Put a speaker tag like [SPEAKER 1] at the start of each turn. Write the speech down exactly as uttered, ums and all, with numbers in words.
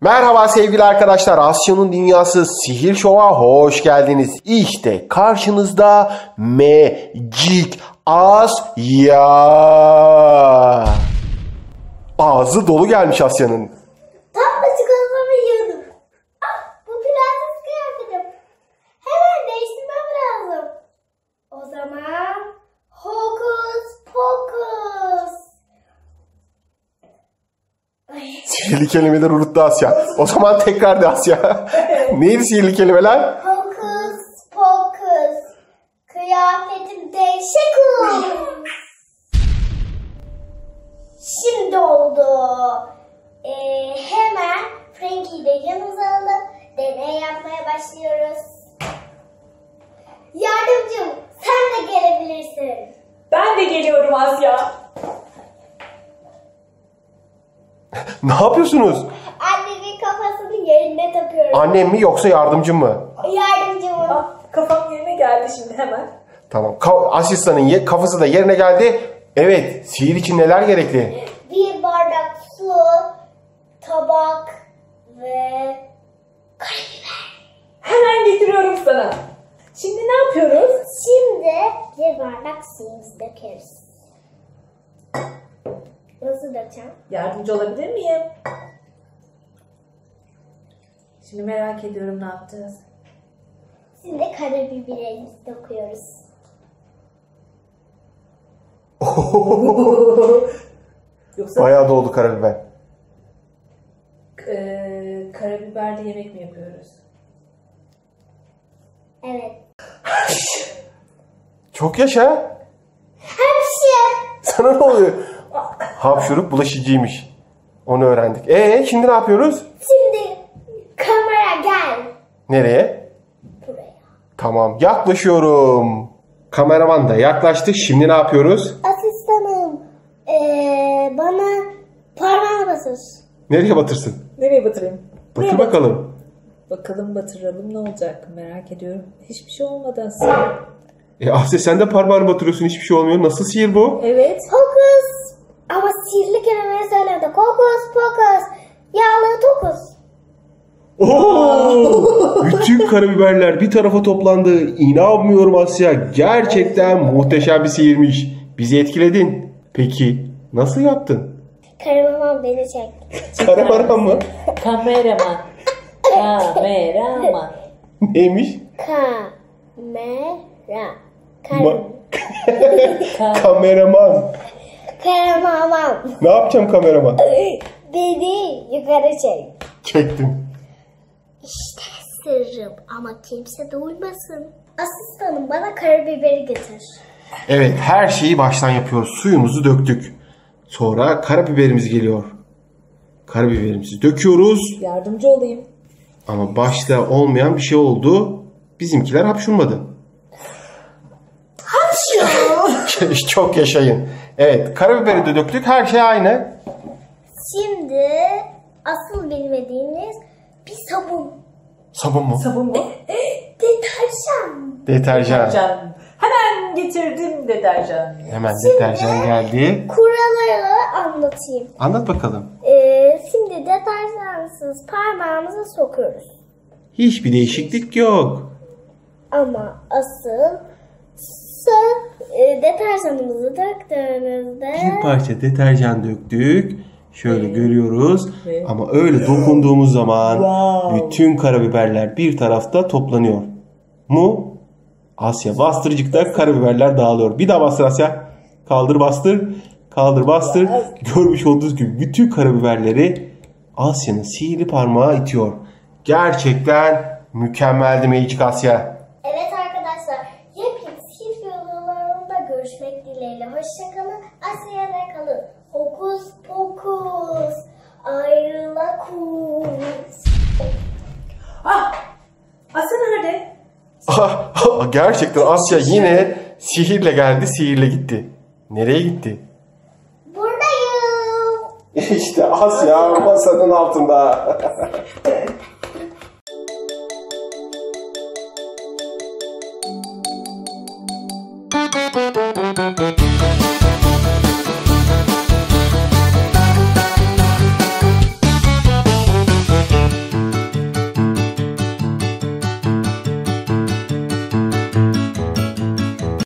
[SPEAKER 1] Merhaba sevgili arkadaşlar, Asya'nın Dünyası Sihir Show'a hoş geldiniz. İşte karşınızda Magic Asya. Ağzı dolu gelmiş Asya'nın.
[SPEAKER 2] Tam da çikolatamı yiyordum. Ah, bu prenses kıyafetim. Hemen değiştirmem lazım. O zaman hokus pokus. Ay.
[SPEAKER 1] Sihirli kelimeleri unuttu Asya. O zaman tekrar de Asya. Neydi sihirli kelimeler?
[SPEAKER 2] Hokus pokus. Kıyafetim değişik oldu. Şimdi oldu. Ee, hemen Frankie'yi de yanımıza alıp deney yapmaya başlıyoruz. Yardımcım, sen de gelebilirsin.
[SPEAKER 3] Ben de geliyorum Asya.
[SPEAKER 1] Ne yapıyorsunuz?
[SPEAKER 2] Annemin kafasını yerine takıyorum.
[SPEAKER 1] Annem mi yoksa yardımcım mı?
[SPEAKER 2] Yardımcım mı?
[SPEAKER 3] Ah, kafam yerine geldi şimdi hemen.
[SPEAKER 1] Tamam. Ka- asistanın ye- kafası da yerine geldi. Evet. Sihir için neler gerekli?
[SPEAKER 2] Bir bardak su, tabak ve karabiber.
[SPEAKER 3] Hemen getiriyorum sana. Şimdi ne yapıyoruz?
[SPEAKER 2] Şimdi bir bardak suyumuzu dökeriz. Nasıl dökeceğim?
[SPEAKER 3] Yardımcı olabilir miyim? Şimdi merak ediyorum ne yapacağız.
[SPEAKER 2] Şimdi karabiberimizi döküyoruz.
[SPEAKER 3] Yoksa
[SPEAKER 1] Bayağı doldu karabiber.
[SPEAKER 3] e, karabiberli yemek mi yapıyoruz?
[SPEAKER 2] Evet.
[SPEAKER 1] Çok yaşa.
[SPEAKER 2] Hemşire.
[SPEAKER 1] Sana ne oluyor? Hapşurup bulaşıcıymış. Onu öğrendik. Ee şimdi ne yapıyoruz?
[SPEAKER 2] Şimdi kamera gel.
[SPEAKER 1] Nereye?
[SPEAKER 2] Buraya.
[SPEAKER 1] Tamam, yaklaşıyorum. Kameraman da yaklaştı. Şimdi ne yapıyoruz?
[SPEAKER 2] Asistanım. Ee, bana parmağını basır.
[SPEAKER 1] Nereye batırsın?
[SPEAKER 3] Nereye batırayım?
[SPEAKER 1] Batır bakalım.
[SPEAKER 3] Bakalım batıralım ne olacak merak ediyorum. Hiçbir şey olmadı aslında.
[SPEAKER 1] E Asya sen de parmağını batırıyorsun, hiçbir şey olmuyor. Nasıl sihir bu?
[SPEAKER 3] Evet.
[SPEAKER 2] Hokus. Ama sihirli kelimeyi söyledi. Hokus pokus. Yağlı tokus.
[SPEAKER 1] Oo! Bütün karabiberler bir tarafa toplandı. İnanmıyorum Asya. Gerçekten muhteşem bir sihirmiş. Bizi etkiledin. Peki nasıl yaptın?
[SPEAKER 2] Karamamam beni çek.
[SPEAKER 1] Karabaran mı?
[SPEAKER 3] Kameraman. Kameraman.
[SPEAKER 1] Neymiş?
[SPEAKER 2] Kamera.
[SPEAKER 1] Ma-
[SPEAKER 2] Kar
[SPEAKER 1] kameraman.
[SPEAKER 2] Karamamam.
[SPEAKER 1] Ne yapacağım kameraman?
[SPEAKER 2] Beni yukarı çek.
[SPEAKER 1] Çektim.
[SPEAKER 2] İşte sırrım ama kimse duymasın. Asistanım bana karabiberi getir.
[SPEAKER 1] Evet, her şeyi baştan yapıyoruz. Suyumuzu döktük. Sonra karabiberimiz geliyor. Karabiberimizi döküyoruz.
[SPEAKER 3] Yardımcı olayım.
[SPEAKER 1] Ama başta olmayan bir şey oldu. Bizimkiler hapşurmadı. Hapşur. Çok yaşayın. Evet, karabiberi de döktük. Her şey aynı.
[SPEAKER 2] Şimdi asıl bilmediğiniz bir sabun.
[SPEAKER 1] Sabun mu?
[SPEAKER 3] Sabun mu?
[SPEAKER 2] Deterjan.
[SPEAKER 1] Deterjan.
[SPEAKER 3] Deterjan. Hemen getirdim deterjan.
[SPEAKER 1] Hemen deterjan geldi.
[SPEAKER 2] Kuralları anlatayım.
[SPEAKER 1] Anlat bakalım.
[SPEAKER 2] Ee, şimdi deterjansız parmağımızı sokuyoruz.
[SPEAKER 1] Hiçbir değişiklik yok.
[SPEAKER 2] Ama asıl sırf e, deterjanımızı döktüğünüzde
[SPEAKER 1] Bir parça deterjan döktük. Şöyle görüyoruz.
[SPEAKER 3] Evet.
[SPEAKER 1] Ama öyle dokunduğumuz zaman
[SPEAKER 3] Wow.
[SPEAKER 1] bütün karabiberler bir tarafta toplanıyor. Mu? Asya bastırıcıkta karabiberler dağılıyor. Bir daha bastır Asya. Kaldır bastır. Kaldır bastır. Görmüş olduğunuz gibi bütün karabiberleri Asya'nın sihirli parmağı itiyor. Gerçekten mükemmeldi Magic Asya.
[SPEAKER 2] evet arkadaşlar, yepyeni sihir videolarında görüşmek dileğiyle. Hoşçakalın. Asya'da kalın. Hokus pokus. Ayrılakus.
[SPEAKER 3] Ah! Asya nerede?
[SPEAKER 1] Gerçekten Asya yine sihirle geldi, sihirle gitti. Nereye gitti?
[SPEAKER 2] Buradayım.
[SPEAKER 1] İşte Asya masanın altında.